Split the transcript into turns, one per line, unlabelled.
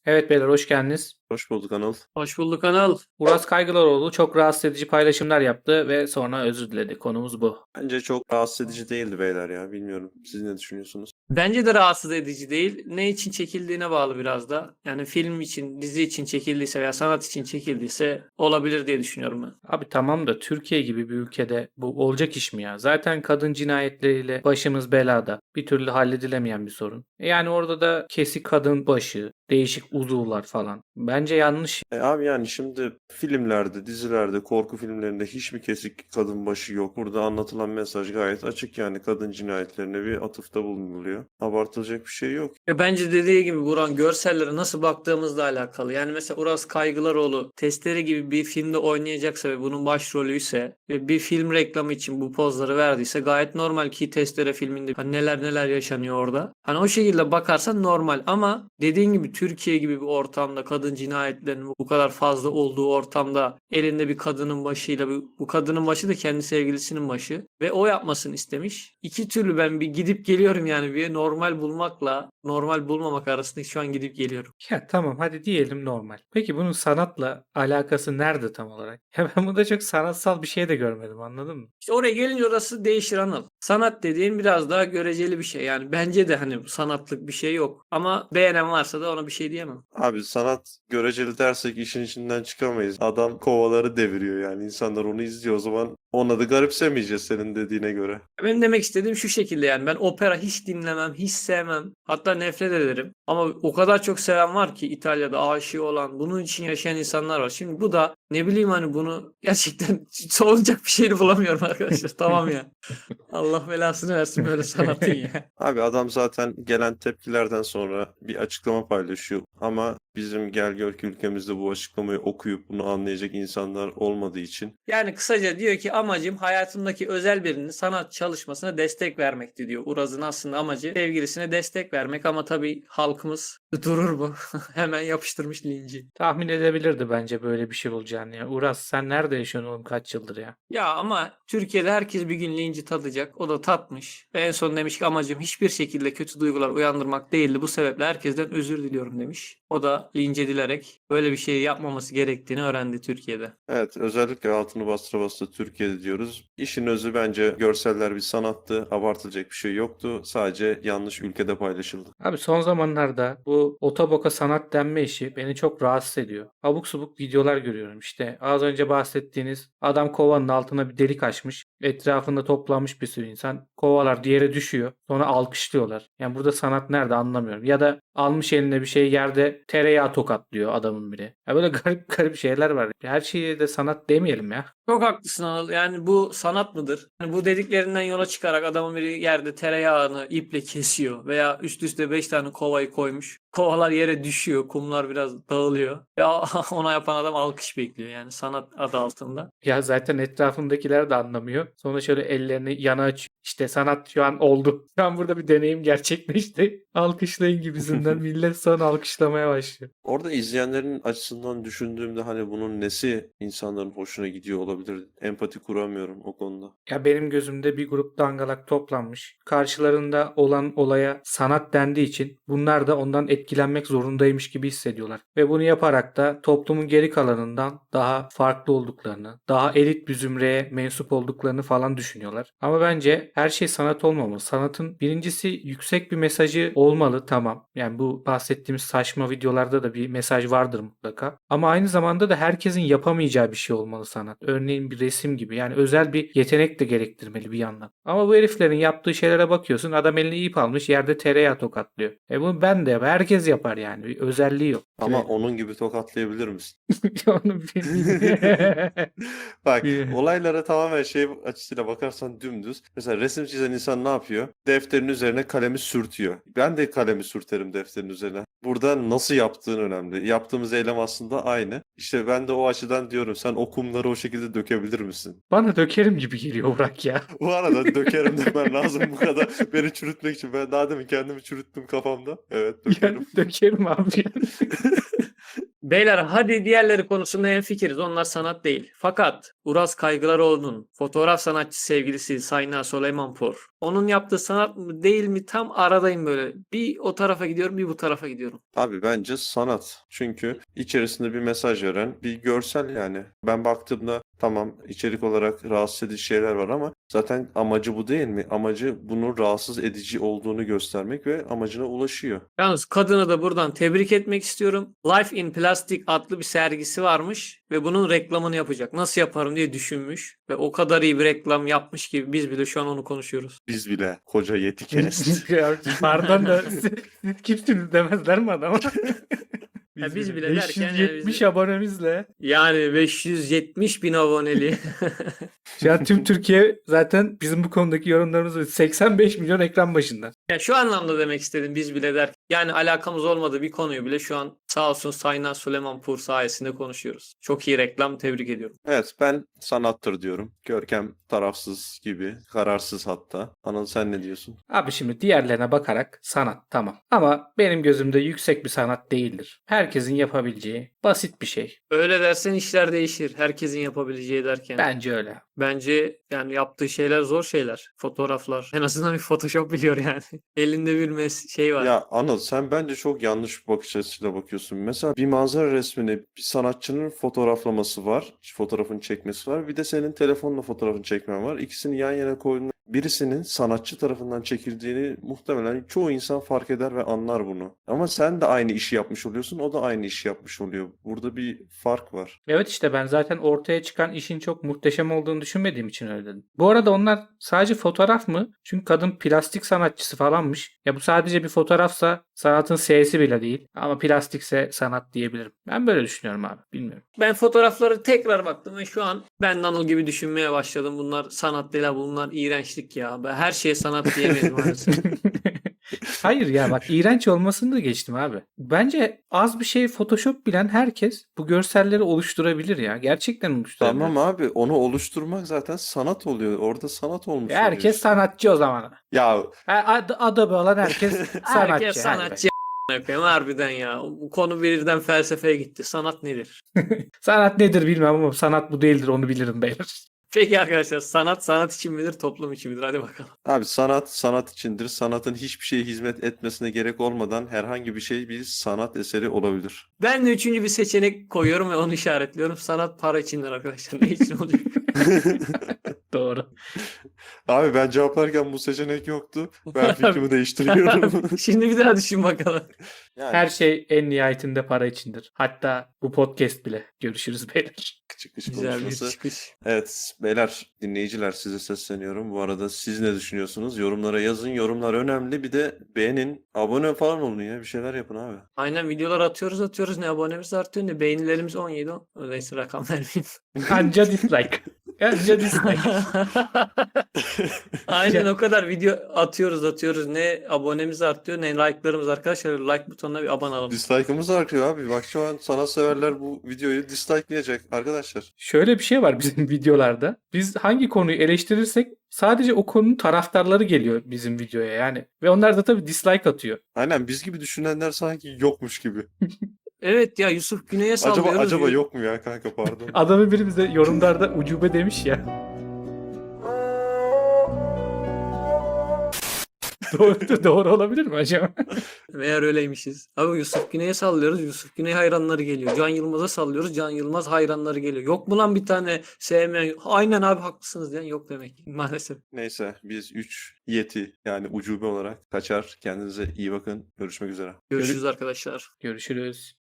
Evet beyler hoş geldiniz.
Hoş bulduk Anıl.
Hoş bulduk Anıl.
Uras Kaygılaroğlu çok rahatsız edici paylaşımlar yaptı ve sonra özür diledi. Konumuz bu.
Bence çok rahatsız edici değildi beyler ya. Bilmiyorum. Siz ne düşünüyorsunuz?
Bence de rahatsız edici değil. Ne için çekildiğine bağlı biraz da. Yani film için, dizi için çekildiyse veya sanat için çekildiyse olabilir diye düşünüyorum ben.
Abi tamam da Türkiye gibi bir ülkede bu olacak iş mi ya? Zaten kadın cinayetleriyle başımız belada. Bir türlü halledilemeyen bir sorun. Yani orada da kesik kadın başı, değişik uzuvlar falan. Bence yanlış.
Abi yani şimdi filmlerde, dizilerde, korku filmlerinde hiç mi kesik kadın başı yok? Burada anlatılan mesaj gayet açık yani kadın cinayetlerine bir atıfta bulunuluyor. Abartılacak bir şey yok.
Bence dediği gibi Buran görsellere nasıl baktığımızla alakalı. Yani mesela Uras Kaygılaroğlu Testere gibi bir filmde oynayacaksa ve bunun başrolüyse ve bir film reklamı için bu pozları verdiyse gayet normal ki Testere filminde hani neler neler yaşanıyor orada. Hani o şekilde bakarsan normal ama dediğin gibi Türkiye gibi bir ortamda kadın cinayetlerinin bu kadar fazla olduğu ortamda elinde bir kadının başıyla bu kadının başı da kendi sevgilisinin başı ve o yapmasını istemiş. İki türlü ben bir gidip geliyorum yani bir normal bulmakla normal bulmamak arasında şu an gidip geliyorum.
Ya tamam hadi diyelim normal. Peki bunun sanatla alakası nerede tam olarak? Ya ben burada çok sanatsal bir şey de görmedim, anladın mı?
İşte oraya gelince orası değişir Anıl. Sanat dediğin biraz daha göreceli bir şey. Yani bence de hani sanatlık bir şey yok. Ama beğenen varsa da ona bir şey diyemem.
Abi sanat göreceli dersek işin içinden çıkamayız. Adam kovaları deviriyor yani. İnsanlar onu izliyor o zaman. Ona da garipsemeyeceğiz senin dediğine göre.
Benim demek istediğim şu şekilde yani ben opera hiç dinlemem, hiç sevmem. Hatta nefret ederim. Ama o kadar çok seven var ki İtalya'da aşığı olan, bunun için yaşayan insanlar var. Şimdi bu da ne bileyim hani bunu gerçekten savunacak bir şeyini bulamıyorum arkadaşlar. Tamam ya. Allah belasını versin böyle sanatın ya.
Abi adam zaten gelen tepkilerden sonra bir açıklama paylaşıyor. Ama bizim gel gör ki ülkemizde bu açıklamayı okuyup bunu anlayacak insanlar olmadığı için
Yani kısaca diyor ki amacım hayatımdaki özel birinin sanat çalışmasına destek vermekti diyor. Uraz'ın aslında amacı sevgilisine destek vermek ama tabii halkımız durur mu? Hemen yapıştırmış linci.
Tahmin edebilirdi bence böyle bir şey olacağını ya. Uras sen nerede yaşıyorsun oğlum kaç yıldır ya?
Ya ama Türkiye'de herkes bir gün linci tadacak. O da tatmış. Ve en son demiş ki amacım hiçbir şekilde kötü duygular uyandırmak değildi. Bu sebeple herkesten özür diliyorum demiş. O da linç edilerek böyle bir şey yapmaması gerektiğini öğrendi Türkiye'de.
evet, özellikle altını bastıra bastıra Türkiye'de diyoruz. İşin özü bence görseller bir sanattı. Abartılacak bir şey yoktu. Sadece yanlış ülkede paylaşıldı.
Abi son zamanlarda bu otoboka sanat denme işi beni çok rahatsız ediyor. Abuk subuk videolar görüyorum. İşte az önce bahsettiğiniz adam kovanın altına bir delik açmış. Etrafında toplanmış bir sürü insan. Kovalar diğeri düşüyor. Sonra alkışlıyorlar. Yani burada sanat nerede anlamıyorum. Ya da almış eline bir şey yerde tereyağı tokatlıyor adamın biri. Ya böyle garip garip şeyler var. Her şeye de sanat demeyelim ya.
Çok haklısın Anıl. Yani bu sanat mıdır? Yani bu dediklerinden yola çıkarak adamın biri yerde tereyağını iple kesiyor veya üst üste 5 tane kovayı koymuş. Kovalar yere düşüyor, kumlar biraz dağılıyor. Ya ona yapan adam alkış bekliyor yani sanat adı altında.
Ya zaten etrafındakiler de anlamıyor. Sonra şöyle ellerini yana açıyor. İşte sanat şu an oldu. Şu an burada bir deneyim gerçekleşti. Alkışlayın gibisinden millet sonra alkışlamaya başlıyor.
Orada izleyenlerin açısından düşündüğümde hani bunun nesi insanların hoşuna gidiyor olabilir? Empati kuramıyorum o konuda.
Ya benim gözümde bir grup dangalak toplanmış. Karşılarında olan olaya sanat dendiği için bunlar da ondan etkilenmek zorundaymış gibi hissediyorlar. Ve bunu yaparak da toplumun geri kalanından daha farklı olduklarını, daha elit bir zümreye mensup olduklarını falan düşünüyorlar. Ama bence her şey sanat olmamalı. Sanatın birincisi yüksek bir mesajı olmalı, tamam. Yani bu bahsettiğimiz saçma videolarda da bir mesaj vardır mutlaka. Ama aynı zamanda da herkesin yapamayacağı bir şey olmalı sanat. Örneğin bir resim gibi. Yani özel bir yetenek de gerektirmeli bir yandan. Ama bu heriflerin yaptığı şeylere bakıyorsun. Adam eline ip almış yerde tereyağı tokatlıyor. Bunu ben de yapar. Herkes yapar yani. Bir özelliği yok.
Ama onun gibi tokatlayabilir misin?
Onu
Bak
bilmiyorum.
olaylara tamamen şey açısıyla bakarsan dümdüz. Mesela resim çizen insan ne yapıyor? Defterin üzerine kalemi sürtüyor. Ben de kalemi sürterim defterin üzerine. Burada nasıl yaptığın önemli. Yaptığımız eylem aslında aynı. İşte ben de o açıdan diyorum sen o kumları o şekilde dökebilir misin?
Bana dökerim gibi geliyor Burak ya.
Bu arada dökerim demen lazım bu kadar beni çürütmek için. Ben daha demin kendimi çürüttüm kafamda. Evet dökerim.
Yani dökerim abi.
Beyler hadi diğerleri konusunda hemfikiriz. Onlar sanat değil. Fakat Uras Kaygılaroğlu'nun fotoğraf sanatçı sevgilisi Sayna Süleymanpor. Onun yaptığı sanat mı değil mi tam aradayım böyle. Bir o tarafa gidiyorum bir bu tarafa gidiyorum.
Abi bence sanat. Çünkü içerisinde bir mesaj veren bir görsel yani. Ben baktığımda tamam içerik olarak rahatsız edici şeyler var ama zaten amacı bu değil mi? Amacı bunun rahatsız edici olduğunu göstermek ve amacına ulaşıyor.
Yalnız kadını da buradan tebrik etmek istiyorum. Life in Plastic adlı bir sergisi varmış ve bunun reklamını yapacak. Nasıl yaparım diye düşünmüş ve o kadar iyi bir reklam yapmış ki biz bile şu an onu konuşuyoruz.
Biz bile koca Yetikest.
Ya, pardon da siz kimsiniz demezler mi adama?
Ya biz bile derken yani
570 abonemizle.
Yani 570 bin aboneli.
Şu an tüm Türkiye zaten bizim bu konudaki yorumlarımızı 85 milyon ekran başında.
Ya şu anlamda demek istedim biz bile der. Yani alakamız olmadığı bir konuyu bile şu an sağ olsun Sayna Süleymanpur sayesinde konuşuyoruz. Çok iyi reklam, tebrik ediyorum.
Evet, ben sanattır diyorum. Görkem tarafsız gibi, kararsız hatta. Anıl sen ne diyorsun?
Abi şimdi diğerlerine bakarak sanat tamam. Ama benim gözümde yüksek bir sanat değildir. Herkesin yapabileceği basit bir şey.
Öyle dersen işler değişir. Herkesin yapabileceği derken.
Bence öyle.
Bence yani yaptığı şeyler zor şeyler. Fotoğraflar. En azından bir Photoshop biliyor yani. Elinde bir şey var.
Ya Anıl sen bence çok yanlış bir bakış açısıyla bakıyorsun. Mesela bir manzara resmini bir sanatçının fotoğraflaması var. Fotoğrafını çekmesi var. Bir de senin telefonla fotoğrafını çekmen var. İkisini yan yana koyduğunda birisinin sanatçı tarafından çekildiğini muhtemelen çoğu insan fark eder ve anlar bunu. Ama sen de aynı işi yapmış oluyorsun. O da aynı işi yapmış oluyor. Burada bir fark var.
Evet işte ben zaten ortaya çıkan işin çok muhteşem olduğunu düşünmediğim için öyle dedim. Bu arada onlar sadece fotoğraf mı? Çünkü kadın plastik sanatçısı falanmış. Ya bu sadece bir fotoğrafsa sanatın S'si bile değil. Ama plastikse sanat diyebilirim. Ben böyle düşünüyorum abi. Bilmiyorum.
Ben fotoğrafları tekrar baktım ve şu an ben Anıl gibi düşünmeye başladım. Bunlar sanat değil, bunlar iğrençlik ya. Ben her şeye sanat diyemeyiz maalesef.
Hayır ya bak iğrenç olmasını da geçtim abi. Bence az bir şey Photoshop bilen herkes bu görselleri oluşturabilir ya. Gerçekten oluşturabilir.
Tamam abi onu oluşturmak zaten sanat oluyor. Orada sanat olmuş oluyor
Herkes
işte.
sanatçı o zaman.
Ya
Adobe olan herkes sanatçı.
Herkes
Hadi
sanatçı. Yapayım harbiden ya. Bu konu birden felsefeye gitti. Sanat nedir?
be. Sanat nedir bilmem ama sanat bu değildir onu bilirim beyler.
Peki arkadaşlar sanat için midir, toplum için midir? Hadi bakalım.
abi sanat sanat içindir. Sanatın hiçbir şeye hizmet etmesine gerek olmadan herhangi bir şey bir sanat eseri olabilir.
Ben de üçüncü bir seçenek koyuyorum ve onu işaretliyorum. Sanat para içindir arkadaşlar. Ne için olacak?
Doğru.
Abi ben cevaplarken bu seçenek yoktu. Ben fikrimi değiştiriyorum.
Şimdi bir daha düşün bakalım.
Yani
Her şey en nihayetinde para içindir. Hatta bu podcast bile. Görüşürüz beyler.
çıkış
Güzel bir
konuşması.
çıkış.
Evet beyler dinleyiciler size sesleniyorum. Bu arada siz ne düşünüyorsunuz? Yorumlara yazın. Yorumlar önemli. Bir de beğenin. Abone falan olun ya. Bir şeyler yapın abi.
Aynen videolar atıyoruz. Ne abonemiz artıyor ne beğenilerimiz 17. Öyleyse rakam vermeyeyim.
Anca dislike. Anca dislike.
Aynen o kadar video atıyoruz. Ne abonemiz artıyor ne like'larımız arkadaşlar. Like butonuna bir abone alalım.
Dislike'ımız artıyor abi. Bak şu an sanatseverler bu videoyu dislike'layacak arkadaşlar.
Şöyle bir şey var bizim videolarda. Biz hangi konuyu eleştirirsek sadece o konunun taraftarları geliyor bizim videoya yani. Ve onlar da tabii dislike atıyor.
Aynen biz gibi düşünenler sanki yokmuş gibi.
Evet ya Yusuf Güney'e sallıyoruz.
Acaba yok mu ya kanka pardon.
Adamı biri bize yorumlarda ucube demiş ya. Doğru olabilir mi acaba?
Meğer öyleymişiz. Abi Yusuf Güney'e sallıyoruz. Yusuf Güney hayranları geliyor. Can Yılmaz'a sallıyoruz. Can Yılmaz hayranları geliyor. Yok mu lan bir tane sevmeyen? Aynen abi haklısınız diyen yok demek. Maalesef.
Neyse biz 3 yeti yani ucube olarak kaçar. Kendinize iyi bakın. Görüşmek üzere.
Görüşürüz arkadaşlar.
Görüşürüz.